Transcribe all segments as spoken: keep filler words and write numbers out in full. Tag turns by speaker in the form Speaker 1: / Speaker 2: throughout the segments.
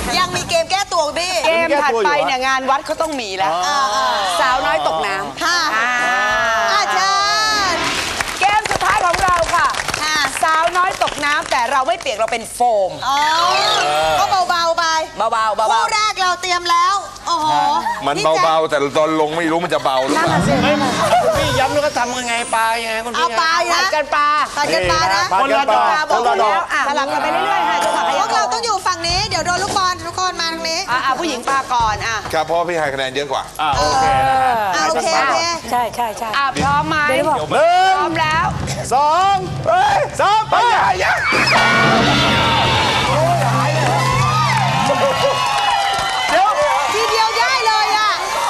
Speaker 1: ยังมีเกมแก้ตัวพี่เกมถัดไปเนี่ยงานวัดเขาต้องมีแล้วสาวน้อยตกน้ำค่ะอาจารย์เกมสุดท้ายของเราค่ะสาวน้อยตกน้ำแต่เราไม่เปียกเราเป็นโฟมก็เบาๆไปเบาๆเบาๆคู่แรกเราเตรียมแล้วโอ้โห
Speaker 2: มันเบาๆแต่ตอนลงไม่รู้มันจะเบาหรือเปล่า
Speaker 3: คุณพี่ย้ำแล้วก็ทำยังไงปลายังไงคุณพี่
Speaker 1: เอาปลาผัดกันปลาผัดกันปลานะ
Speaker 3: คนละดอก
Speaker 1: คนละดอกสลับกันไปเรื่อยๆค่ะพวกเราต้องอยู่ฝั่งนี้เดี๋ยวโดนลูกบอลทุกคนมาทางนี้อ่าผู้หญิงปลาก่อนอ่ะ
Speaker 2: ครับเพราะพี่ให้คะแนนเยอะกว่า
Speaker 3: อ่าโอเค
Speaker 1: โอเคโอเค
Speaker 4: ใช่ใช่ใช่
Speaker 1: อ่ะพร้อมไหมพร้อมแล้ว
Speaker 3: สองสามไปยัง
Speaker 1: เดี๋ยวทีเดียวได้เลยอ่ะ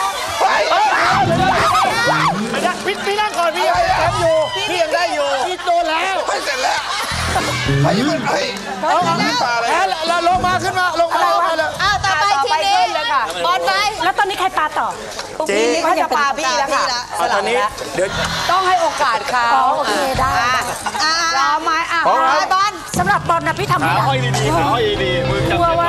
Speaker 3: พี่พี่นั่งก่อนพี่ยังทำอยู่พี่ยังได้อยู่พี่โดนแล้ว
Speaker 2: ไปเสร็จแล้วไปยังไง
Speaker 3: เอาขึ้นปลาเลยแล้วลงมาขึ้นมาลงมาลงมาเลย
Speaker 1: อ้าวต่อไปทีนี้บอลไป
Speaker 4: แล้วตอนนี้ใครปลาต่อ
Speaker 1: เจ๊เขาจะปลาพี่แล้วค่ะ
Speaker 3: ตอนนี้เดี๋ยว
Speaker 1: ต้องให้โอกาสเขา
Speaker 4: โอเคได้
Speaker 1: รอไหมอ่ะบอล
Speaker 4: สำหรับบอลนะพี่ทำไม่ได้
Speaker 3: ห้อยดีๆห้อยดีๆมือจับ
Speaker 4: ว่า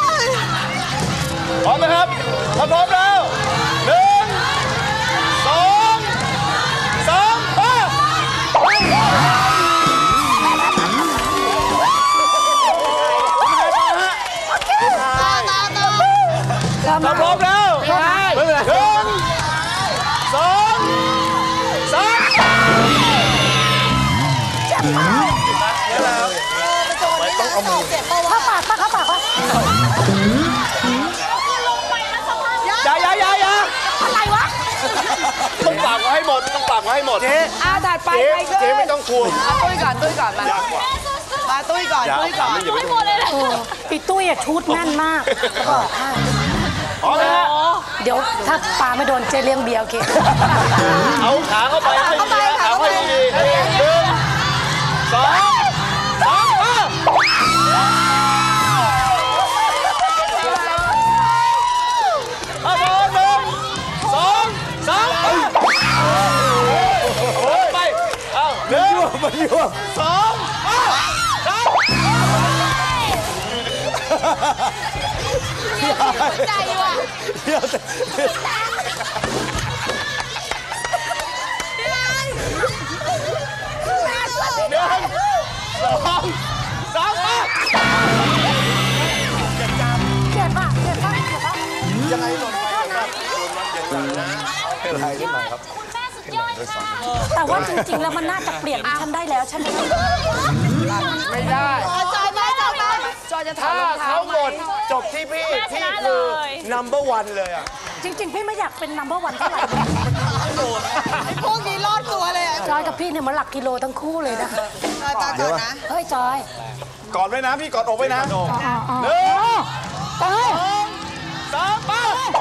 Speaker 3: พร้อมไหมครับพร้อมแล้วหนึ่งสองสามไปพร้อมแล้วหนึ่งสองสาม
Speaker 4: เจ็บมากต้องเอามือเข้าปากปะเข้าปากปะ
Speaker 3: อย่าอย่าอย่าอย่า
Speaker 4: อะไรวะ
Speaker 3: ต้องปากไว้ให้หมดต้องปากไว้ให้หมดเจ๊
Speaker 1: อาถัดไปใครขึ้น
Speaker 3: เจ๊ไม่ต้องกลัว
Speaker 1: ตุ้ยก่อนตุ้ยก่อนมามาตุ้ยก่อนตุ้ยก่อน
Speaker 4: ไม่หมดเลยปีตุ้ยอะชุดแน่นมากบอกให้
Speaker 3: อ๋อเลย
Speaker 4: เดี๋ยวถ้าปลาไม่โดนเจเลี้ยงเบียร์โอเค
Speaker 3: เอาขาเข้าไปให้ดีขาเข้าไปดีหนึ่งสองสามเอาหนึ่งสองสามไปเอาหนึ่งสองสาม
Speaker 1: ใจว่ะ
Speaker 3: เดี๋ยวหนึ่งสองสาม
Speaker 4: เจ็บป่ะเจ็บป่ะเจ็บป่ะ
Speaker 3: ยังไงหล่นไปครับโดนมัดอย่างนั้นนะเป็นไรนิดหน่อยครับ
Speaker 4: แต่ว่าจริงๆแล้วมันน่าจะเปลี่ยนฉันได้แล้วฉัน
Speaker 3: ไม่ได้
Speaker 1: จอยไหมจอยไหมจอยจะถาม
Speaker 3: เขาหมดจบที่พี่พี่คือ number one เลยอ่ะ
Speaker 4: จริงๆพี่ไม่อยากเป็น number one เท่าไหร่
Speaker 1: ไอ้พวกนี้รอดตัวเลย
Speaker 4: จอยกับพี่เนี่ยมันหลักกิโลทั้งคู่เลยนะ
Speaker 1: จอยปาก่อนนะ
Speaker 4: เฮ้ยจอย
Speaker 3: กอดไว้นะพี่กอดอกไว้นะหนึ่งสองสามไป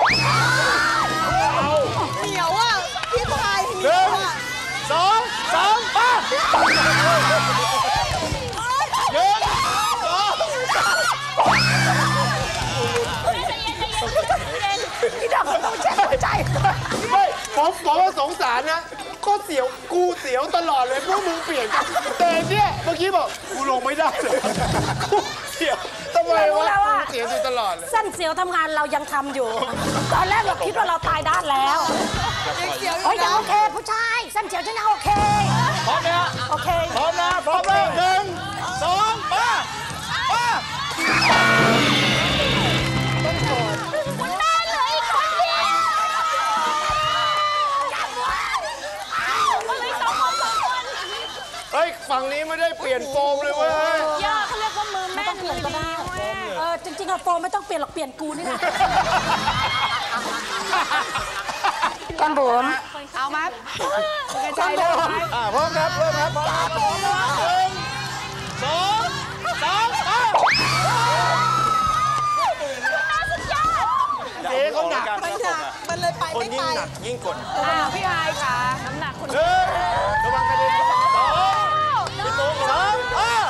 Speaker 1: เหนียวอ่ะพี่ชายเหนี
Speaker 3: ยว
Speaker 1: อ่ะ
Speaker 3: สองสามไปหนึ่งสอง
Speaker 4: พี่ดอกต้องแช่หัวใจ
Speaker 3: ไม่ผมผมว่าสงสารนะก็เสียวกูเสียวตลอดเลยพวกมึงเปลี่ยนกันแต่เนี่ยเมื่อกี้บอกกูลงไม่ได้เลยกูเสียวทำไมวะกูเสียวอยู่ตลอดเลย
Speaker 4: เส้นเสียวทำงานเรายังทำอยู่ตอนแรกเราคิดว่าเราตายด้านแล้วโอ้ยยังโอเคผู้ชายเส้นเสียวฉันยังโอเค
Speaker 3: พร้อมนะ
Speaker 4: โอเค
Speaker 3: พร้อมนะพร้อมแล้วหนึ่งสองมามา
Speaker 4: คุณแม่เลยคนเดียว
Speaker 3: เฮ้ยฝั่งนี้ไม่ได้เปลี่ยนโฟมเลยเว้ย
Speaker 4: ย่าเขาเรียกว่ามือแม่เปลี่ยนก็ได้เออจริงๆอะโฟมไม่ต้องเปลี่ยนหรอกเปลี่ยนกูนี่แหละก้อนบุ๋ม
Speaker 1: เอาไหม
Speaker 3: ก้อนบุ๋มอ่าพร้อมครับเริ่มครับพร้อมครับหนึ่งสองสามเจ๊เขาหนัก
Speaker 1: มันหนักมันเลยไปไม่ไป
Speaker 3: คนยิ่งหนักยิ่งกด
Speaker 1: พี่ไฮค่ะน้ำหนักคน
Speaker 3: หนึ่งระวังกระเด็นสองพี่ตุ๊กสามอ่า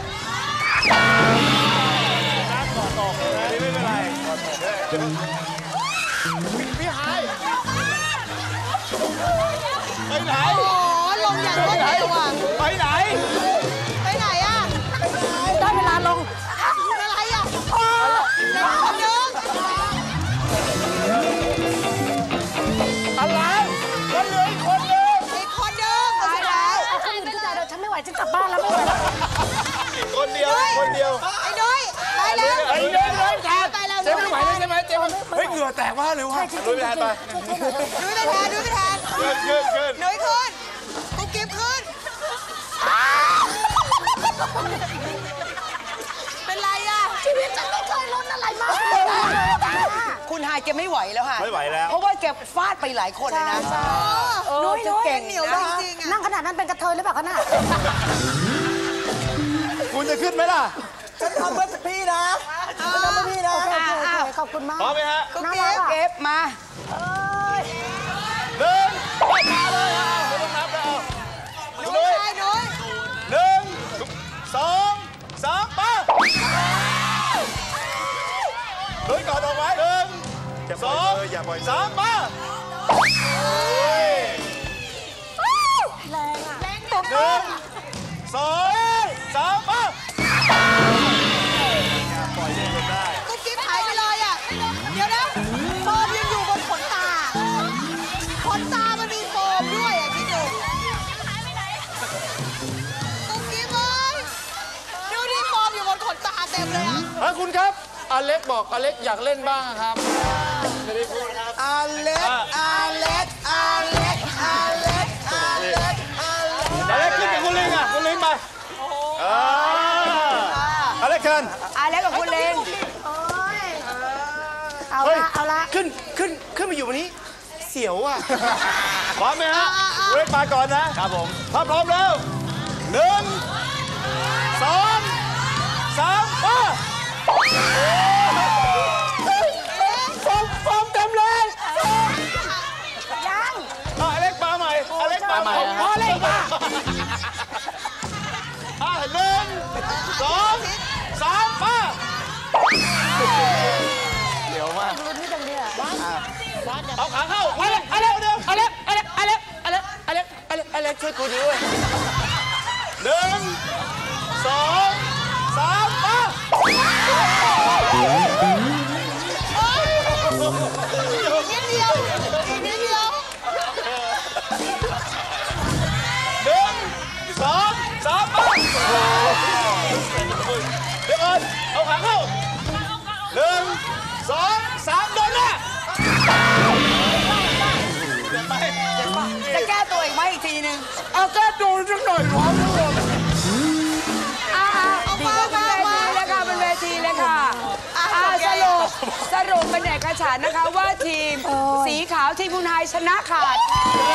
Speaker 3: น้ำต่อต่อเลยไม่เป็นไรพี่ไฮไปไหน
Speaker 1: โอ้ลงอย่างรวดเร็วอ่ะ
Speaker 3: ไปไหน
Speaker 1: ไปไหนอ่ะ
Speaker 4: ได้เวลาลง
Speaker 1: อะไรอ่ะ
Speaker 3: ยเหงื่อแตกมากเลยว่ะลุยไปแทนไป
Speaker 1: นุ้ยไปแทนนุ้ยไปแทน
Speaker 3: ขึ้นขึ้นขึ้น
Speaker 1: นุ้ยขึ้นกุ๊กกิ๊บขึ้นเป็นไรอ่ะ
Speaker 4: ชีวิตฉันไม่เคยลุ้นอะไรมาก
Speaker 1: คุณฮายแกไม่ไหวแล้วค่ะ
Speaker 3: ไม่ไหวแล้ว
Speaker 1: เพราะว่าแกฟาดไปหลายคนเลยนะเออ
Speaker 4: นุ้ย
Speaker 1: จะ
Speaker 4: นุ้ย
Speaker 1: เก่ง
Speaker 4: เหนียว
Speaker 1: นะ
Speaker 4: จริงๆนั่งขนาดนั้นเป็นกระเทยหรือเปล่าคะน่ะ
Speaker 3: คุณจะขึ้นไหมล่ะ
Speaker 1: ฉันทำเพื่อพี่นะฉันทำเพื่อพี่นะ
Speaker 4: โอเคโอเคขอบคุณมาก
Speaker 3: พร้อมไหมฮะ
Speaker 1: กุ๊กกิ๊บเก็บมา
Speaker 3: หนึ่งมาเลยเอาไม่ต้องนับแล้ว
Speaker 1: นุ้ยไปนุ้ย
Speaker 3: หนึ่งสองสามไปลุยก่อนออกไว้หนึ่งสองสามมา
Speaker 4: แรงอ่ะ
Speaker 3: หนึ่งสองสามมาปล่อยเล่นได้
Speaker 1: กุ๊กกิ๊บหายไปเลยอ่ะเดี๋ยวนะโฟมยังอยู่บนขนตาขนตามันมีโฟมด้วยอ่ะคิดดูกุ๊กกิ๊บเอ้ยดูดิโฟมอยู่บนขนตาเต็มเลยอ่ะ
Speaker 3: เฮ้ยคุณครับอเล็กบอกอเล็กอยากเล่นบ้างครับไม่ได้พูดครับ
Speaker 1: อเล็กอเล็กอเล็กอเล็กอเล็กอเล็ก
Speaker 3: อเล็กขึ้นกับคุณลิงอ่ะคุณลิงไปอเล็กเชิญ
Speaker 1: อเล็กกับคุณเลง
Speaker 4: เอาละเอาละ
Speaker 3: ขึ้นขึ้นขึ้นมาอยู่วันนี้เสียวอ่ะพร้อมไหมฮะเวทมาก่อนนะครับผมถ้าพร้อมแล้วหนึ่งสองสามมาฟอมฟอมเต็มเลย
Speaker 4: ยัง
Speaker 3: อเล็กมาใหม่อเล็กมาใหม่พอเล็กมาอ่ะหนึ่งสองสามมาเดี๋ยวมาก
Speaker 4: ลุ้นนี่จังเนี่ย
Speaker 3: เอาขาเข้าอเล็กอเล็กเร็วอเล็กอเล็กอเล็กอเล็กอเล็กอเล็กอเล็กช่วยกูด้วยหนึ่งสองสามมา
Speaker 1: นิดเดียวอีกนิดเดียว
Speaker 3: หนึ่งสองสามมาเดี๋ยวก่อนเอาขาเข้าหนึ่งสองสามโดนหน้า
Speaker 1: จะแก้ตัวอีกไหมอีกทีนึง
Speaker 3: เอาแก้ตัวสักหน่อยหรอทุกคน
Speaker 1: อ่าดีก็เป็นเวทีเลยค่ะเป็นเวทีเลยค่ะอ่าสรุปสรุปเป็นเอกฉันท์นะคะว่าทีมสีขาวทีมคุณฮายชนะขาด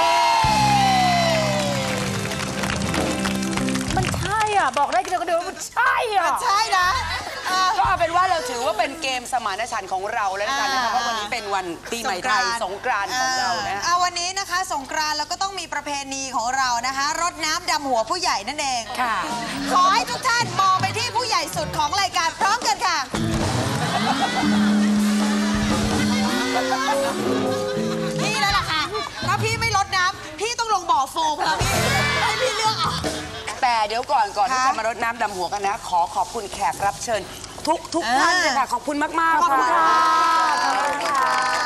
Speaker 4: มันใช่อ่ะบอกได้เดียวก็เดียวมันใช่อ่ะ
Speaker 1: ใช่นะก็เอาเป็นว่าเราถือว่าเป็นเกมสมานฉันท์ของเราแล้วกันนะคะเพราะวันนี้เป็นวันปีใหม่ไทยสงกรานต์ของเรานะ
Speaker 5: เอาวันนี้นะคะสงกรานต์เราก็ต้องมีประเพณีของเรานะคะรดน้ำดำหัวผู้ใหญ่นั่นเอง
Speaker 1: ค่ะ
Speaker 5: ขอให้ทุกท่านมองไปที่ผู้ใหญ่สุดของรายการพร้อมกันค่ะพี่แล้วล่ะค่ะถ้าพี่ไม่รดน้ำพี่ต้องลงบ่อโฟมแล้วพี่ให้พี่เลือกเอา
Speaker 1: แต่เดี๋ยวก่อนก่อนที่
Speaker 5: ค่ะ
Speaker 1: จะมารดน้ำดำหัวกันนะ ขอขอบคุณแขกรับเชิญ ทุกทุก
Speaker 5: อ่า
Speaker 1: ท่านเลยค่ะ ขอบคุณมาก ๆ
Speaker 5: ขอบคุณ
Speaker 1: ค่ะ
Speaker 5: ค่ะ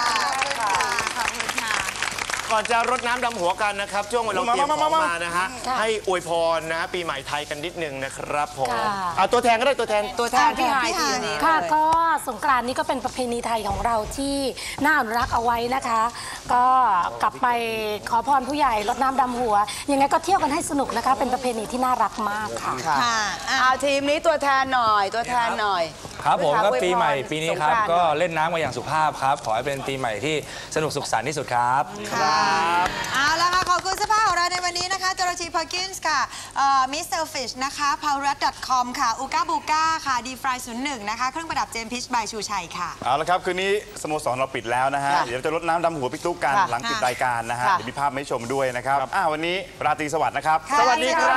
Speaker 3: ก่อนจะรดน้ำดำหัวกันนะครับ ช่วงเวลาเราเตรียมของมานะฮะให้อวยพรนะฮะปีใหม่ไทยกันนิดนึงนะครับผมเอาตัวแทนก็ได้ตัวแทน
Speaker 1: ตัวแทนพี่ฮายทีนี้
Speaker 4: ค่ะก็สงกรานต์นี้ก็เป็นประเพณีไทยของเราที่น่าอนุรักษ์เอาไว้นะคะ ก็กลับไปขอพรผู้ใหญ่รดน้ำดำหัวยังไงก็เที่ยวกันให้สนุกนะคะ เป็นประเพณีที่น่ารักมากค่ะ
Speaker 5: ค่ะอ่ะ
Speaker 1: เอาทีมนี้ตัวแทนหน่อย ตัวแทนหน่อย
Speaker 6: ครับผมก็
Speaker 1: อวยพร
Speaker 6: ปีใหม่ปีนี้ครับ
Speaker 1: สงานต์
Speaker 6: ก็
Speaker 1: หน่อย
Speaker 6: เล่นน้ำกันอย่างสุภาพครับ ขอให้เป็นปีใหม่ที่สนุกสุขสันต์ที่สุดครับ
Speaker 5: เอาละค่ะ ขอบคุณเสื้อผ้าของเราในวันนี้นะคะจอร์จีพาร์กินส์ค่ะมิสเตอร์ฟิชนะคะพาวรัต .com ค่ะอูก้าบูก้าค่ะดีฟรายศูนย์หนึ่งนะคะเครื่องประดับเจมพิชบายชูชัยค่ะ
Speaker 7: เอาละครับ คืนนี้สโมสรเราปิดแล้วนะฮะ
Speaker 1: ค่ะ
Speaker 7: เดี๋ยวจะรดน้ำดำหัวพี่ตุ๊กกัน
Speaker 1: ค่ะ
Speaker 7: หลังปิด
Speaker 5: ค่ะ
Speaker 7: รายการนะฮะ
Speaker 1: ค่ะ
Speaker 7: เดี๋ยวมีภาพมาให้ชมด้วยนะครับอ่าวันนี้ราตรีสวัสดิ์นะครับ
Speaker 5: สวัสดีครับ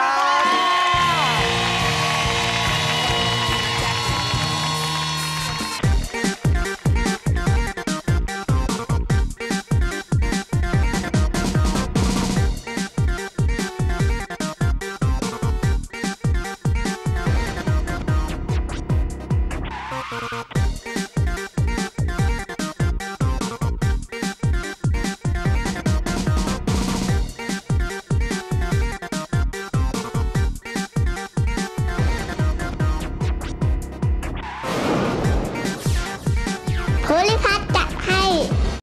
Speaker 8: ภูริพัฒน์